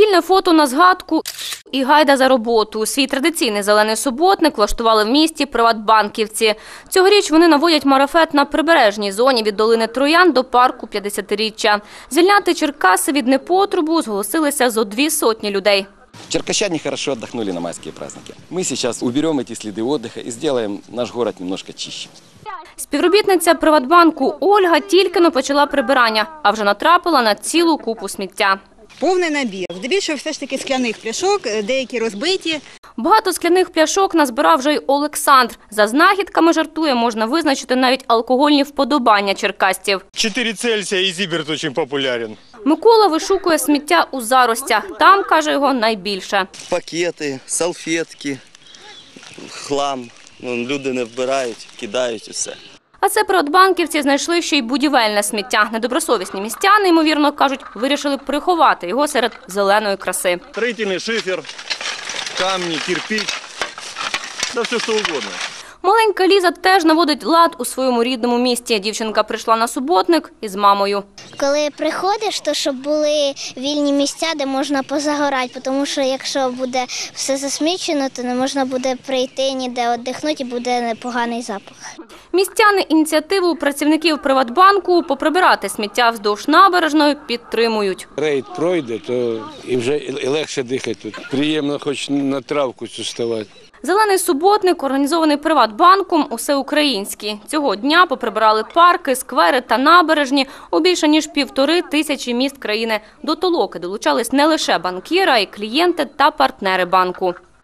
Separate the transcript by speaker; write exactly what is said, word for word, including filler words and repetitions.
Speaker 1: Спільне фото на згадку і гайда за роботу. Свій традиційний зелений суботник влаштували в місті приватбанківці. Цьогоріч вони наводять марафет на прибережній зоні від долини Троян до парку п'ятдесятиріччя. Звільняти Черкаси від непотребу зголосилися зо дві сотні людей.
Speaker 2: Черкащане хорошо отдохнули на майские праздники. Мы сейчас уберем эти следы отдыха и сделаем наш город немножко чище.
Speaker 1: Співробітниця Приватбанку Ольга тільки-но почала прибирання, а вже натрапила на цілу купу сміття.
Speaker 3: Повний набір. Здебільшого все ж таки скляних пляшок, деякі розбиті.
Speaker 1: Багато скляних пляшок назбирав вже й Олександр. За знахідками, жартує, можна визначити навіть алкогольні вподобання черкасців.
Speaker 4: чотири Цельсія і Зіберт дуже популярен.
Speaker 1: Микола вишукує сміття у заростях. Там, каже, його найбільше.
Speaker 5: Пакети, салфетки, хлам. Люди не вбирають, кидають усе.
Speaker 1: А це приватбанківці знайшли ще й будівельне сміття. Недобросовісні містяни, ймовірно, кажуть, вирішили приховати його серед зеленої краси.
Speaker 4: Строїтельний шифер, камні, кирпич, да все що угодно.
Speaker 1: Маленька Ліза теж наводить лад у своєму рідному місті. Дівчинка прийшла на суботник із мамою.
Speaker 6: Коли приходиш, то щоб були вільні місця, де можна позагорати, тому що якщо буде все засмічено, то не можна буде прийти ніде віддихнути і буде непоганий запах.
Speaker 1: Містяни ініціативу працівників Приватбанку поприбирати сміття вздовж набережної підтримують.
Speaker 7: Рейд пройде, то і вже і легше дихати тут. Приємно хоч на травку цю ставати.
Speaker 1: Зелений суботник, організований Приватбанком, усеукраїнський. Цього дня поприбирали парки, сквери та набережні у більше ніж півтори тисячі міст країни. До толоки долучались не лише банкіри, а й клієнти та партнери банку.